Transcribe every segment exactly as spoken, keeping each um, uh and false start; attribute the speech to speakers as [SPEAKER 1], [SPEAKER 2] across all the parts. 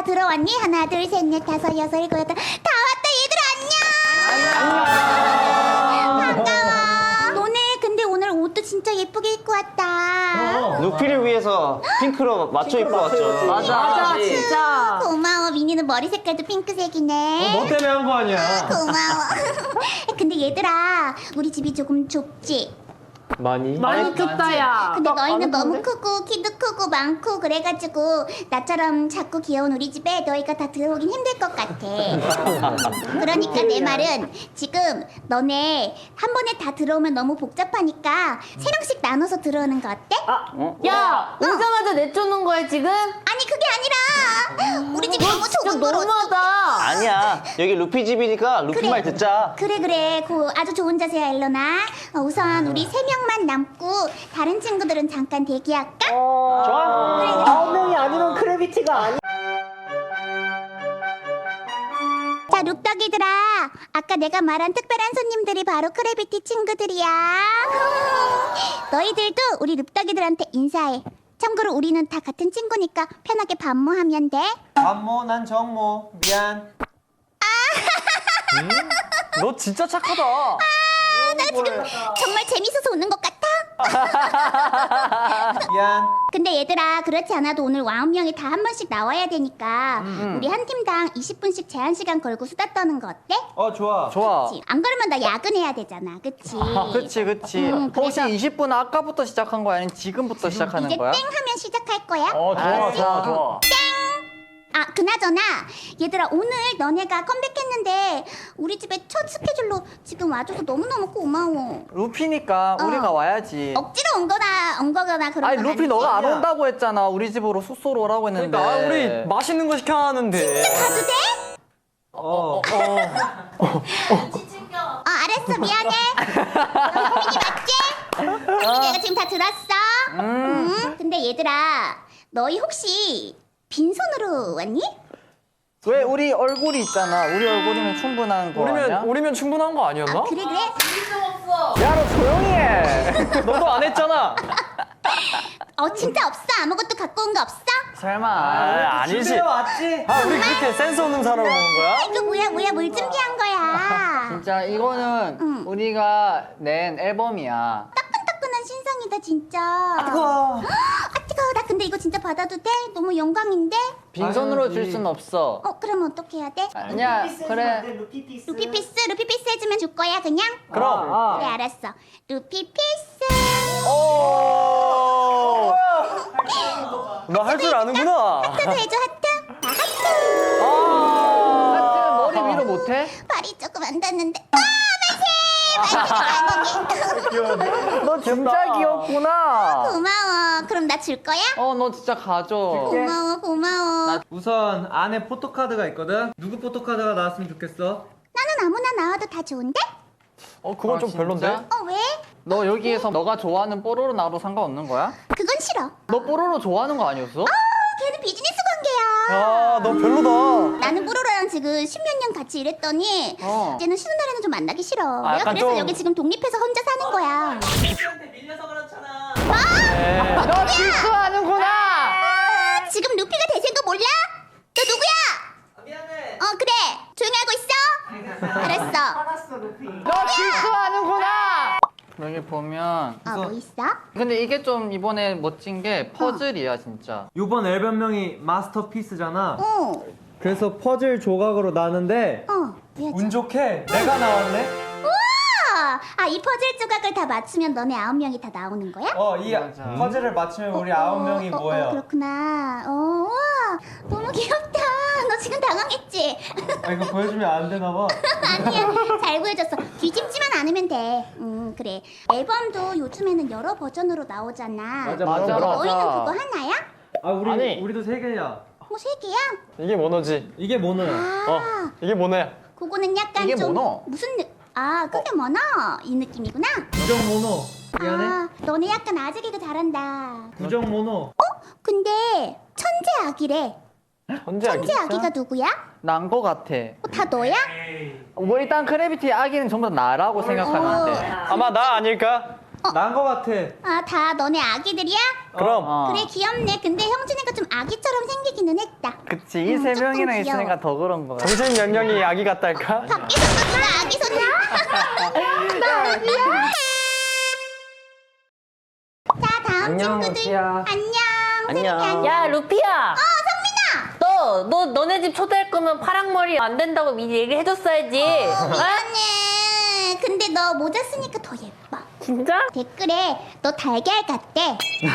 [SPEAKER 1] 들어왔니? 하나, 둘, 셋, 넷, 다섯, 여섯, 일곱, 여덟. 다 왔다, 얘들아, 안녕! 안녕! 반가워. 너네 근데 오늘 옷도 진짜 예쁘게 입고 왔다.
[SPEAKER 2] 루피를 위해서 핑크로 맞춰 입고 왔죠.
[SPEAKER 3] 맞아, 맞아, 진짜.
[SPEAKER 1] 고마워. 미니는 머리 색깔도 핑크색이네.
[SPEAKER 4] 너 때문에 한 거 아니야.
[SPEAKER 1] 고마워. 근데 얘들아, 우리 집이 조금 좁지?
[SPEAKER 4] 많이?
[SPEAKER 3] 많이 컸다, 야.
[SPEAKER 1] 근데 너희는 너무 크고 키도 크고 많고 그래가지고 나처럼 작고 귀여운 우리 집에 너희가 다 들어오긴 힘들 것 같아. 그러니까 내 말은 지금 너네 한 번에 다 들어오면 너무 복잡하니까 세 명씩 나눠서 들어오는 거 어때?
[SPEAKER 3] 야, 오자마자 내쫓는 거야, 지금?
[SPEAKER 1] 아니 그게 아니라 우리 집이 너무
[SPEAKER 3] 진짜
[SPEAKER 1] 좁은 걸 어떡해.
[SPEAKER 3] 너무하다.
[SPEAKER 2] 아니야. 여기 루피 집이니까 루피
[SPEAKER 1] 그래.
[SPEAKER 2] 말 듣자.
[SPEAKER 1] 그래 그래 고 아주 좋은 자세야 엘로나. 어, 우선 우리 세 명만 남고 다른 친구들은 잠깐 대기할까?
[SPEAKER 2] 좋아.
[SPEAKER 1] 그래 그래.
[SPEAKER 4] 아홉 명이 아니면 크래비티가 아니야.
[SPEAKER 1] 자 룩덕이들아, 아까 내가 말한 특별한 손님들이 바로 크래비티 친구들이야. 너희들도 우리 룩덕이들한테 인사해. 참고로 우리는 다 같은 친구니까 편하게 반모하면 돼.
[SPEAKER 4] 반모, 난 정모. 미안.
[SPEAKER 2] 너 진짜 착하다.
[SPEAKER 1] 나 지금 정말 재밌어서 웃는 것 같아.
[SPEAKER 4] 미안.
[SPEAKER 1] 근데 얘들아, 그렇지 않아도 오늘 아홉 명이 다 한 번씩 나와야 되니까 우리 한 팀당 이십 분씩 제한 시간 걸고 수다 떠는 거 어때?
[SPEAKER 4] 어, 좋아.
[SPEAKER 5] 좋아.
[SPEAKER 1] 그치? 안 그러면 나 야근해야 되잖아, 그치?
[SPEAKER 5] 아, 그치, 그치.
[SPEAKER 1] 음,
[SPEAKER 5] 혹시
[SPEAKER 1] 그래서-
[SPEAKER 5] 이십 분 아까부터 시작한 거야? 아니면 지금부터 시작하는
[SPEAKER 1] 이제
[SPEAKER 5] 거야?
[SPEAKER 1] 땡 하면 시작할 거야.
[SPEAKER 5] 어, 좋아, 좋아, 좋아.
[SPEAKER 1] 아, 그나저나 얘들아, 오늘 너네가 컴백했는데 우리 집에 첫 스케줄로 지금 와줘서 너무너무 고마워.
[SPEAKER 5] 루피니까
[SPEAKER 1] 어.
[SPEAKER 5] 우리가 와야지.
[SPEAKER 1] 억지로 온 거나 온 거거나 그런
[SPEAKER 5] 아니,
[SPEAKER 1] 건
[SPEAKER 5] 루피
[SPEAKER 1] 아니지?
[SPEAKER 5] 너가 안 온다고 했잖아. 우리 집으로 숙소로 오라고 했는데.
[SPEAKER 4] 그러니까 아, 우리
[SPEAKER 5] 맛있는 거 시켜야 하는데.
[SPEAKER 1] 가도 돼?
[SPEAKER 4] 어.
[SPEAKER 1] 어, 알았어. 미안해. 너 효민이 맞지? 효민이 내가 지금 다 들었어. 음. 근데 얘들아, 너희 혹시 빈손으로 왔니?
[SPEAKER 5] 왜 우리 얼굴이 있잖아. 우리 얼굴이면 충분한 거 아니야?
[SPEAKER 4] 우리면 충분한 거 아니었나?
[SPEAKER 1] 아, 그래 그래.
[SPEAKER 5] 야, 너 조용히 해.
[SPEAKER 4] 너도 안 했잖아.
[SPEAKER 1] 어, 진짜 없어? 아무것도 갖고 온 거 없어?
[SPEAKER 5] 설마.
[SPEAKER 4] 아, 아니지. 왔지. 아, 우리 그렇게 센스 없는 사람을 오는 거야?
[SPEAKER 1] 이거 뭐야 뭐야 뭘 준비한 거야?
[SPEAKER 5] 진짜 이거는
[SPEAKER 1] 응.
[SPEAKER 5] 우리가 낸 앨범이야.
[SPEAKER 1] 따끈따끈한 신상이다 진짜.
[SPEAKER 4] 뜨거워.
[SPEAKER 1] 아 뜨거워. 나 근데 이거 진짜 받아도 돼? 너무 영광인데?
[SPEAKER 5] 빈손으로
[SPEAKER 4] 당연하지.
[SPEAKER 5] 줄 순 없어.
[SPEAKER 1] 어 그럼 어떻게 해야 돼?
[SPEAKER 5] 아니야, 그래.
[SPEAKER 1] 루피 피스 루피 피스 해주면 줄 거야 그냥?
[SPEAKER 4] 그럼.
[SPEAKER 1] 그래 알았어. 루피 피스.
[SPEAKER 4] 오. 너 할 줄 아는구나.
[SPEAKER 1] 하트도 해줘 하트. 나 하트.
[SPEAKER 5] 아, 머리 위로 못해?
[SPEAKER 1] 발이 조금 안 닿는데. 아 만세. 만세.
[SPEAKER 5] 너 진짜 귀엽구나.
[SPEAKER 1] 고마워. 그럼 나 줄 거야?
[SPEAKER 5] 어, 너 진짜 가져.
[SPEAKER 1] 고마워 고마워.
[SPEAKER 4] 우선 안에 포토카드가 있거든. 누구 포토카드가 나왔으면 좋겠어?
[SPEAKER 1] 나는 아무나 나와도 다 좋은데?
[SPEAKER 5] 어, 그건 좀 별론데?
[SPEAKER 1] 어 왜?
[SPEAKER 5] 너 여기에서 너가 좋아하는 뽀로로 나와도 상관없는 거야?
[SPEAKER 1] 그건 싫어.
[SPEAKER 5] 너 뽀로로 좋아하는 거 아니었어?
[SPEAKER 1] 걔는 비즈니스 관계야.
[SPEAKER 4] 아, 너 별로다.
[SPEAKER 1] 나는 뽀로로랑 지금 십몇 년 같이 일했더니
[SPEAKER 5] 어.
[SPEAKER 1] 이제는 쉬는 날에는 좀 만나기 싫어.
[SPEAKER 4] 아,
[SPEAKER 1] 내가
[SPEAKER 4] 약간
[SPEAKER 1] 그래서
[SPEAKER 4] 좀-
[SPEAKER 1] 여기 지금 독립해서 혼자 사는 거야.
[SPEAKER 5] 너 질투하는구나!
[SPEAKER 1] 아, 지금 루피가 대세인 거 몰라? 너 누구야? 미안해. 어 그래. 조용히 하고 있어. 알았어.
[SPEAKER 5] 너 질투하는구나! 여기 보면
[SPEAKER 1] 어 뭐 있어?
[SPEAKER 5] 근데 이게 좀 이번에 멋진 게 퍼즐이야 진짜.
[SPEAKER 4] 이번 앨범명이 마스터피스잖아.
[SPEAKER 1] 어.
[SPEAKER 4] 그래서 퍼즐 조각으로 나는데
[SPEAKER 1] 어. 뭐야,
[SPEAKER 4] 운 좋게 내가 나왔네.
[SPEAKER 1] 우와! 아, 이 퍼즐 조각을 다 맞추면 너네 아홉 명이 다 나오는 거야?
[SPEAKER 4] 어, 이
[SPEAKER 5] 맞아.
[SPEAKER 4] 퍼즐을 맞추면 우리 아홉 명이
[SPEAKER 1] 어, 어,
[SPEAKER 4] 뭐예요?
[SPEAKER 1] 어, 그렇구나. 어, 우와. 너무 귀엽다. 너 지금 당황했지?
[SPEAKER 4] 아, 이거 보여주면 안 되나 봐.
[SPEAKER 1] 아니야. 잘 구해줬어. 뒤집지만 않으면 돼. 음, 그래. 앨범도 요즘에는 여러 버전으로 나오잖아.
[SPEAKER 4] 맞아,
[SPEAKER 5] 맞아,
[SPEAKER 4] 맞아.
[SPEAKER 5] 맞아.
[SPEAKER 1] 너희는 그거 하나야?
[SPEAKER 4] 아, 우리
[SPEAKER 2] 아니.
[SPEAKER 4] 우리도 세 개야.
[SPEAKER 1] 뭐 세 개야?
[SPEAKER 2] 이게 모노지.
[SPEAKER 4] 이게 뭐는?
[SPEAKER 1] 아,
[SPEAKER 2] 이게 모노야.
[SPEAKER 1] 그거는 약간
[SPEAKER 5] 이게
[SPEAKER 1] 좀
[SPEAKER 5] 뭐노?
[SPEAKER 1] 무슨 느... 아, 그게 뭐노? 이 느낌이구나.
[SPEAKER 4] 부정 모노. 미안해.
[SPEAKER 1] 아, 너네 약간 아재 개그 잘한다.
[SPEAKER 4] 부정 모노.
[SPEAKER 1] 근데 천재 아기래.
[SPEAKER 2] 언제 알기?
[SPEAKER 1] 천재 아기가 누구야?
[SPEAKER 5] 난 거 같아.
[SPEAKER 1] 어, 다 너야?
[SPEAKER 5] 뭐 일단 크래비티 아기는 전부 다 나라고 생각하면 돼.
[SPEAKER 2] 아마 나 아닐까?
[SPEAKER 4] 난 거 같아.
[SPEAKER 1] 아, 다 너네 아기들이야?
[SPEAKER 2] 그럼
[SPEAKER 5] 어.
[SPEAKER 1] 그래, 귀엽네. 근데 형준이가 좀 아기처럼 생기기는 했다.
[SPEAKER 5] 그치 이 세
[SPEAKER 1] 음, 조금
[SPEAKER 5] 명이랑
[SPEAKER 1] 귀여워.
[SPEAKER 5] 있으니까 더 그런 거 같아.
[SPEAKER 2] 정신 연령이 아기 같달까?
[SPEAKER 1] 밖에서 나 아기 손님. 나 아기야. 자, 다음
[SPEAKER 4] 안녕,
[SPEAKER 1] 친구들.
[SPEAKER 4] 루피야.
[SPEAKER 1] 안녕.
[SPEAKER 4] 안녕.
[SPEAKER 1] 세림이 안녕.
[SPEAKER 3] 야 루피야.
[SPEAKER 1] 어, 성민아.
[SPEAKER 3] 너, 너, 너네 집 초대할 거면 파랑머리 안 된다고 미리 얘기를 해줬어야지. 어?
[SPEAKER 1] 미안해. 근데 너 모자 쓰니까 더 예뻐.
[SPEAKER 3] 진짜?
[SPEAKER 1] 댓글에 너 달걀 같대.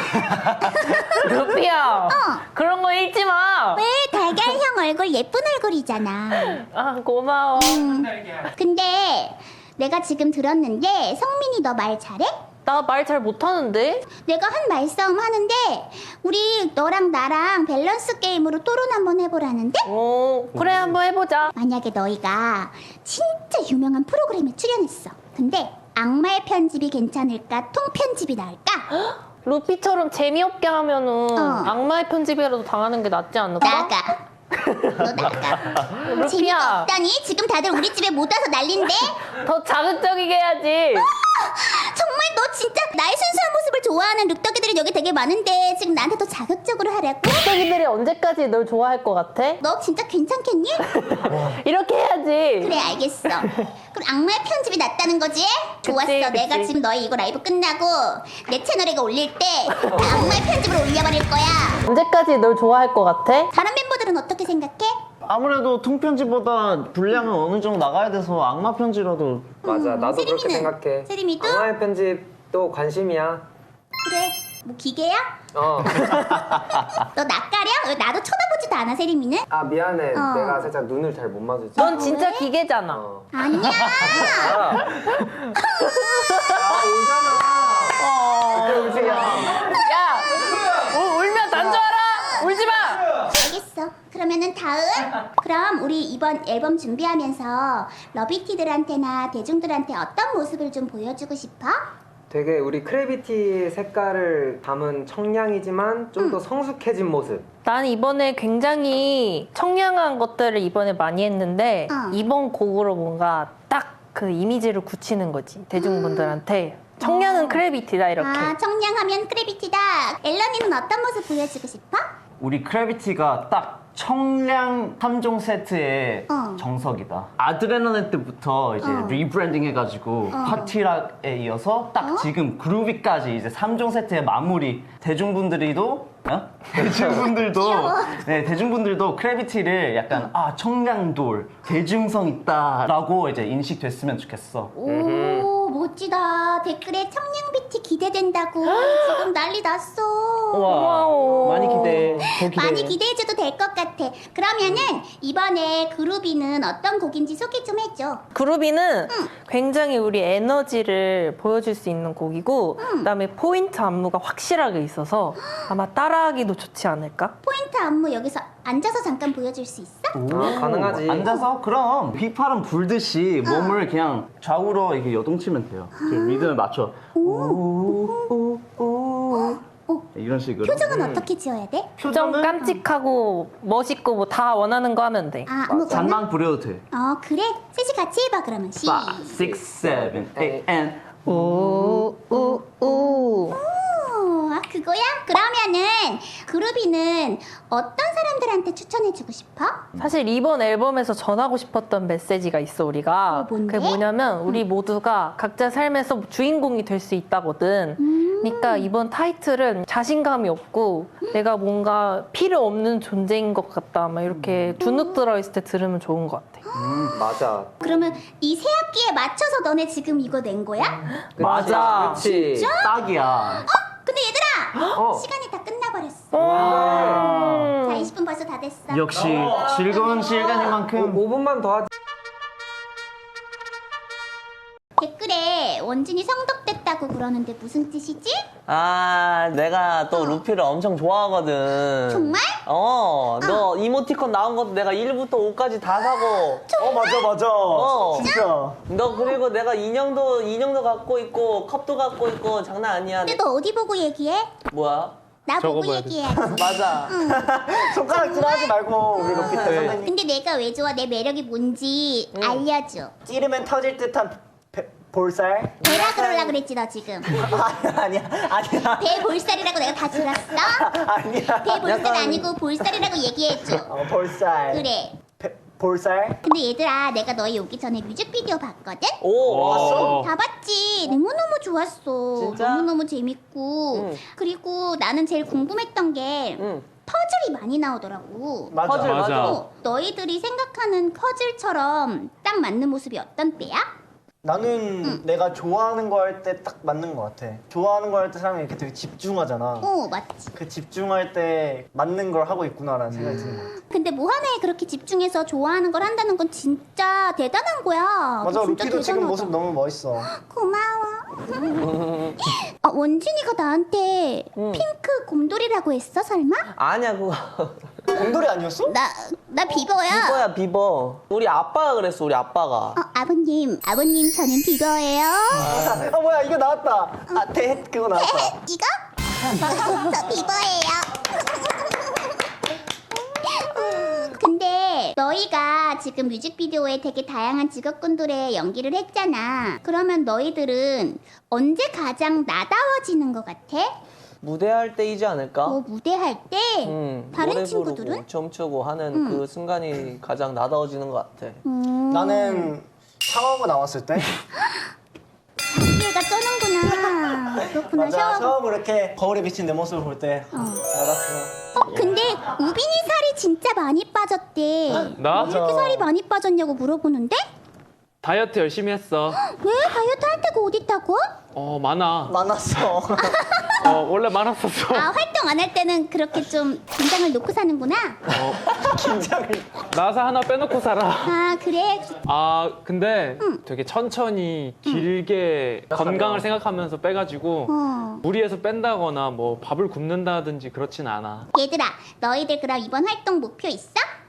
[SPEAKER 3] 루피야. 그런 거 읽지 마.
[SPEAKER 1] 왜 달걀형 얼굴 예쁜 얼굴이잖아.
[SPEAKER 3] 아, 고마워.
[SPEAKER 1] 근데 내가 지금 들었는데 성민이 너 말 잘해?
[SPEAKER 3] 나 말 잘 못하는데?
[SPEAKER 1] 내가 한 말싸움 하는데 우리 너랑 나랑 밸런스 게임으로 토론 한번 해보라는데?
[SPEAKER 3] 어, 그래, 한번 해보자.
[SPEAKER 1] 만약에 너희가 진짜 유명한 프로그램에 출연했어. 근데 악마의 편집이 괜찮을까? 통편집이 나을까?
[SPEAKER 3] 루피처럼 재미없게 하면은
[SPEAKER 1] 어.
[SPEAKER 3] 악마의 편집이라도 당하는 게 낫지 않을까?
[SPEAKER 1] 나가. 너 나가.
[SPEAKER 3] 루피야.
[SPEAKER 1] 재미가 없다니? 지금 다들 우리 집에 못 와서 난린데?
[SPEAKER 3] 더 자극적이게 해야지.
[SPEAKER 1] 정말 너 진짜 나의 순수한 모습을 좋아하는 룩덕이들이 여기 되게 많은데 지금 나한테 더 자극적으로 하라고?
[SPEAKER 3] 룩덕이들이 언제까지 널 좋아할 것 같아?
[SPEAKER 1] 너 진짜 괜찮겠니?
[SPEAKER 3] 이렇게 해야지.
[SPEAKER 1] 그래, 알겠어. 그럼 악마의 편집이 낫다는 거지? 좋았어.
[SPEAKER 3] 그치.
[SPEAKER 1] 내가 지금 너희 이거 라이브 끝나고 내 채널에 이거 올릴 때 다 악마의 편집으로 올려버릴 거야.
[SPEAKER 3] 언제까지 널 좋아할 것 같아?
[SPEAKER 1] 다른 멤버들은 어떻게 생각해?
[SPEAKER 6] 아무래도 통편지보다 분량은 어느 정도 나가야 돼서 악마 편지라도
[SPEAKER 4] 맞아, 나도 그렇게
[SPEAKER 1] 세림이는?
[SPEAKER 4] 생각해.
[SPEAKER 1] 세림이도?
[SPEAKER 4] 악마의 편집도 관심이야.
[SPEAKER 1] 그래. 뭐 기계야?
[SPEAKER 4] 어.
[SPEAKER 1] 너 낯가려? 왜 나도 쳐다보지도 않아, 세림이는?
[SPEAKER 4] 아, 미안해.
[SPEAKER 1] 어.
[SPEAKER 4] 내가 살짝 눈을 잘 못 마주치.
[SPEAKER 3] 넌 진짜 기계잖아.
[SPEAKER 4] 어.
[SPEAKER 1] 아니야.
[SPEAKER 4] 아, 울잖아. 울지 마.
[SPEAKER 3] 야, 우, 울면 난 줄 알아. 울지 마.
[SPEAKER 1] 알겠어. 그러면은 다음. 그럼 우리 이번 앨범 준비하면서 러비티들한테나 대중들한테 어떤 모습을 좀 보여주고 싶어?
[SPEAKER 4] 되게 우리 크래비티 색깔을 담은 청량이지만 좀 더 성숙해진 모습.
[SPEAKER 3] 난 이번에 굉장히 청량한 것들을 이번에 많이 했는데
[SPEAKER 1] 어.
[SPEAKER 3] 이번 곡으로 뭔가 딱 그 이미지를 굳히는 거지 대중분들한테 청량은 크래비티다 이렇게.
[SPEAKER 1] 아, 청량하면 크래비티다. 앨런이는 어떤 모습 보여주고 싶어?
[SPEAKER 6] 우리 크래비티가 딱 청량 삼 종 세트의
[SPEAKER 1] 어.
[SPEAKER 6] 정석이다. 아드레날린 때부터 이제
[SPEAKER 1] 어.
[SPEAKER 6] 리브랜딩 해가지고 파티락에 이어서 딱 지금 그루비까지 이제 삼 종 세트의 마무리. 대중분들이도 어? 대중분들도 네 대중분들도 크래비티를 약간 아 청량돌 대중성 있다라고 이제 인식됐으면 좋겠어.
[SPEAKER 1] 오, 멋지다. 댓글에 청량비티 기대된다고 지금 난리 났어.
[SPEAKER 3] 와우.
[SPEAKER 6] 많이 기대해. 더 기대해.
[SPEAKER 1] 많이 기대해줘도 될 것 같아. 그러면은 이번에 그루비는 어떤 곡인지 소개 좀 해줘.
[SPEAKER 3] 그루비는 굉장히 우리 에너지를 보여줄 수 있는 곡이고 그다음에 포인트 안무가 확실하게 있어서 아마 따라하기도 좋지 않을까?
[SPEAKER 1] 포인트 안무 여기서 앉아서 잠깐 보여줄 수 있어?
[SPEAKER 4] 아, 가능하지.
[SPEAKER 6] 앉아서 그럼 휘파람 불듯이 몸을 그냥 좌우로 이렇게 여동치면 돼요. 그 리듬에 맞춰. 우우우우
[SPEAKER 1] 오,
[SPEAKER 6] 이런 식으로.
[SPEAKER 1] 표정은 어떻게 지어야 돼?
[SPEAKER 3] 좀 깜찍하고 멋있고 뭐 다 원하는 거 하면 돼.
[SPEAKER 1] 아, 아무거나?
[SPEAKER 6] 잔망 부려도 돼.
[SPEAKER 1] 어, 그래. 셋이 같이 해봐, 그러면. 시.
[SPEAKER 6] five, six, seven, eight, and
[SPEAKER 3] 오, 오, 오.
[SPEAKER 1] 오, 아, 그거야? 그러면은 그루비는 어떤 사람들한테 추천해주고 싶어?
[SPEAKER 3] 사실 이번 앨범에서 전하고 싶었던 메시지가 있어 우리가.
[SPEAKER 1] 어, 뭔데?
[SPEAKER 3] 그게 뭐냐면 우리 모두가 각자 삶에서 주인공이 될 수 있다거든. 그러니까 이번 타이틀은 자신감이 없고 내가 뭔가 필요 없는 존재인 것 같다. 막 이렇게 주눅 들어있을 때 들으면 좋은 것 같아.
[SPEAKER 4] 음, 맞아.
[SPEAKER 1] 그러면 이 새 학기에 맞춰서 너네 지금 이거 낸 거야?
[SPEAKER 6] 맞아.
[SPEAKER 4] 그치.
[SPEAKER 6] 딱이야.
[SPEAKER 1] 근데 얘들아!
[SPEAKER 4] 어.
[SPEAKER 1] 시간이 다 끝나버렸어.
[SPEAKER 3] 음.
[SPEAKER 1] 자, 이십 분 벌써 다 됐어.
[SPEAKER 6] 역시 즐거운 시간인 만큼
[SPEAKER 4] 오 분만 더 하자.
[SPEAKER 1] 댓글에 원진이 성덕됐다고 그러는데 무슨 뜻이지?
[SPEAKER 7] 아, 내가 또 루피를 엄청 좋아하거든.
[SPEAKER 1] 정말?
[SPEAKER 7] 어, 너 이모티콘 나온 것도 내가 일부터 오까지 다 사고.
[SPEAKER 6] 어 맞아 맞아.
[SPEAKER 7] 어.
[SPEAKER 6] 진짜.
[SPEAKER 7] 너 그리고 내가 인형도, 인형도 갖고 있고, 컵도 갖고 있고, 장난 아니야.
[SPEAKER 1] 근데 너 어디 보고 얘기해?
[SPEAKER 7] 뭐야?
[SPEAKER 1] 나 보고
[SPEAKER 2] 적어봐야 돼.
[SPEAKER 1] 얘기해야지.
[SPEAKER 7] 맞아.
[SPEAKER 6] 손가락질하지 말고 우리 로피 때 선생님.
[SPEAKER 1] 근데 내가 왜 좋아? 내 매력이 뭔지 알려줘.
[SPEAKER 6] 찌르면 터질 듯한 배,
[SPEAKER 5] 볼살?
[SPEAKER 1] 대라 그러려 그랬지 너 지금.
[SPEAKER 5] 아니야 아니야 아니야
[SPEAKER 1] 대볼살이라고 내가 다 들었어?
[SPEAKER 5] 아니야.
[SPEAKER 1] 대볼살 아니고 볼살이라고 얘기해줘.
[SPEAKER 5] 어 볼살.
[SPEAKER 1] 그래.
[SPEAKER 5] 배- 볼살?
[SPEAKER 1] 근데 얘들아 내가 너희 오기 전에 뮤직비디오 봤거든?
[SPEAKER 7] 오, 봤어?
[SPEAKER 1] 다 봤지. 너무너무 좋았어.
[SPEAKER 7] 진짜?
[SPEAKER 1] 너무너무 재밌고.
[SPEAKER 7] 응.
[SPEAKER 1] 그리고 나는 제일 궁금했던 게
[SPEAKER 7] 응.
[SPEAKER 1] 퍼즐이 많이 나오더라고.
[SPEAKER 5] 맞아.
[SPEAKER 7] 퍼즐 맞아.
[SPEAKER 2] 맞아.
[SPEAKER 1] 어, 너희들이 생각하는 퍼즐처럼 딱 맞는 모습이 어떤 때야?
[SPEAKER 5] 나는 내가 좋아하는 거 할 때 딱 맞는 거 같아. 좋아하는 거 할 때 사람이 이렇게 되게 집중하잖아.
[SPEAKER 1] 어 맞지.
[SPEAKER 5] 그 집중할 때 맞는 걸 하고 있구나라는 생각이 드는 거 같아.
[SPEAKER 1] 근데 뭐 하나에 그렇게 집중해서 좋아하는 걸 한다는 건 진짜 대단한 거야.
[SPEAKER 5] 맞아,
[SPEAKER 1] 너 진짜
[SPEAKER 5] 루피도 지금
[SPEAKER 1] 대단하다.
[SPEAKER 5] 모습 너무 멋있어.
[SPEAKER 1] 고마워. 아, 원진이가 나한테 핑크 곰돌이라고 했어 설마?
[SPEAKER 7] 아니야 그거.
[SPEAKER 5] 곰돌이 아니었어?
[SPEAKER 1] 나, 나 비버야.
[SPEAKER 7] 비버야 비버. 우리 아빠가 그랬어 우리 아빠가.
[SPEAKER 1] 어, 아버님, 아버님 저는 비버예요.
[SPEAKER 5] 아 뭐야 이거 나왔다. 아 대 그거 나왔다.
[SPEAKER 1] 이거? 저 비버예요. 근데 너희가 지금 뮤직비디오에 되게 다양한 직업군들의 연기를 했잖아. 그러면 너희들은 언제 가장 나다워지는 것 같아?
[SPEAKER 7] 무대할 때이지 않을까?
[SPEAKER 1] 뭐 무대할 때?
[SPEAKER 7] 음,
[SPEAKER 1] 다른
[SPEAKER 7] 노래
[SPEAKER 1] 친구들은?
[SPEAKER 7] 부르고 춤추고 하는
[SPEAKER 1] 음.
[SPEAKER 7] 그 순간이 가장 나다워지는 것 같아.
[SPEAKER 1] 음,
[SPEAKER 5] 나는 샤워하고 나왔을 때.
[SPEAKER 1] 자기애가 쩌는구나. 그렇구나.
[SPEAKER 5] 맞아.
[SPEAKER 1] 샤워하고.
[SPEAKER 5] 샤워하고 이렇게 거울에 비친 내 모습을 볼 때. 나갔어.
[SPEAKER 1] 어, 근데 우빈이 살이 진짜 많이 빠졌대.
[SPEAKER 2] 나?
[SPEAKER 1] 왜 이렇게 살이 많이 빠졌냐고 물어보는데?
[SPEAKER 2] 다이어트 열심히 했어.
[SPEAKER 1] 왜 다이어트 할 때가 어딨다고?
[SPEAKER 2] 어, 많아.
[SPEAKER 5] 많았어.
[SPEAKER 2] 어, 원래 많았었어.
[SPEAKER 1] 아, 활동 안 할 때는 그렇게 좀 긴장을 놓고 사는구나.
[SPEAKER 5] 긴장을.
[SPEAKER 2] 나사 하나 빼놓고 살아.
[SPEAKER 1] 아, 그래?
[SPEAKER 2] 아, 근데 되게 천천히 길게 건강을 생각하면서 빼가지고
[SPEAKER 1] 어.
[SPEAKER 2] 무리해서 뺀다거나 뭐 밥을 굶는다든지 그렇진 않아.
[SPEAKER 1] 얘들아, 너희들 그럼 이번 활동 목표 있어?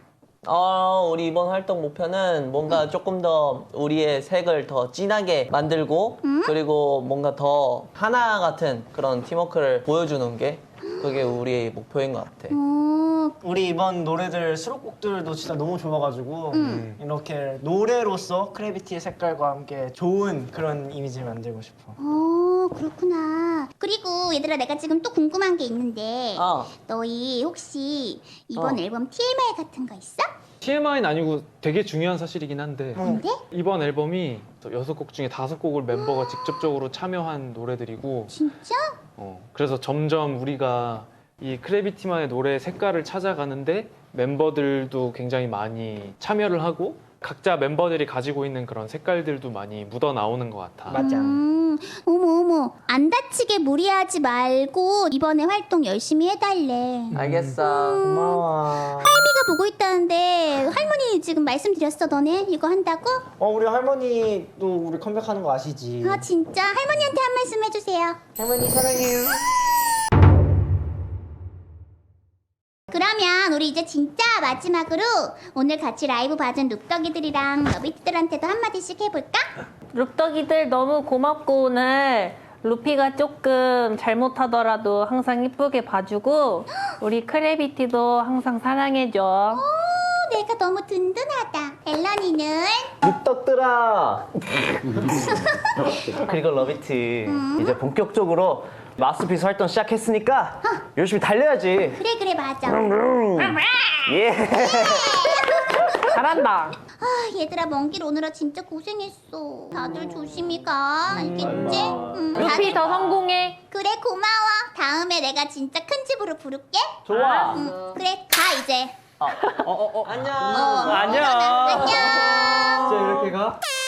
[SPEAKER 7] 어, 우리 이번 활동 목표는 뭔가 조금 더 우리의 색을 더 진하게 만들고 그리고 뭔가 더 하나 같은 그런 팀워크를 보여주는 게 그게 우리의 목표인 것 같아.
[SPEAKER 1] 어,
[SPEAKER 5] 우리 이번 노래들 수록곡들도 진짜 너무 좋아가지고 이렇게 노래로서 크래비티의 색깔과 함께 좋은 그런 이미지를 만들고 싶어.
[SPEAKER 1] 어, 그렇구나. 그리고 얘들아, 내가 지금 또 궁금한 게 있는데
[SPEAKER 7] 어.
[SPEAKER 1] 너희 혹시 이번
[SPEAKER 7] 어.
[SPEAKER 1] 앨범 티엠아이 같은 거 있어?
[SPEAKER 2] 티엠아이는 아니고 되게 중요한 사실이긴 한데
[SPEAKER 1] 근데?
[SPEAKER 2] 이번 앨범이 여섯 곡 중에 다섯 곡을 멤버가 직접적으로 참여한 노래들이고
[SPEAKER 1] 진짜?
[SPEAKER 2] 어, 그래서 점점 우리가 이 크래비티만의 노래 색깔을 찾아가는데 멤버들도 굉장히 많이 참여를 하고 각자 멤버들이 가지고 있는 그런 색깔들도 많이 묻어 나오는 것 같아.
[SPEAKER 5] 맞아.
[SPEAKER 1] 음, 어머 어머, 안 다치게 무리하지 말고 이번에 활동 열심히 해달래.
[SPEAKER 7] 알겠어.
[SPEAKER 5] 고마워.
[SPEAKER 1] 할미가 보고 있다는데 할머니 지금 말씀드렸어 너네 이거 한다고?
[SPEAKER 5] 어 우리 할머니도 우리 컴백하는 거 아시지?
[SPEAKER 1] 아 진짜? 할머니한테 한 말씀 해주세요.
[SPEAKER 5] 할머니 사랑해요.
[SPEAKER 1] 그러면 우리 이제 진짜 마지막으로 오늘 같이 라이브 봐준 룩덕이들이랑 러비티들한테도 한마디씩 해볼까?
[SPEAKER 3] 룩덕이들 너무 고맙고 오늘 루피가 조금 잘못하더라도 항상 이쁘게 봐주고 우리 크래비티도 항상 사랑해줘.
[SPEAKER 1] 오, 내가 너무 든든하다. 앨런이는?
[SPEAKER 6] 룩떡들아. 그리고 러비티 이제 본격적으로 마스터피스 활동 시작했으니까 열심히 달려야지.
[SPEAKER 1] 그래 그래 맞아.
[SPEAKER 6] 예.
[SPEAKER 3] 잘한다.
[SPEAKER 1] 아 얘들아 먼 길 오느라 진짜 고생했어. 다들 조심히 가. 알겠지? 응,
[SPEAKER 3] 루피
[SPEAKER 1] 다들-
[SPEAKER 3] 더 성공해.
[SPEAKER 1] 그래 고마워. 다음에 내가 진짜 큰 집으로 부를게.
[SPEAKER 7] 좋아.
[SPEAKER 1] 응, 그래 가 이제.
[SPEAKER 7] 안녕.
[SPEAKER 1] 어,
[SPEAKER 2] 안녕.
[SPEAKER 1] 일어나. 안녕.
[SPEAKER 2] 진짜 이렇게 가?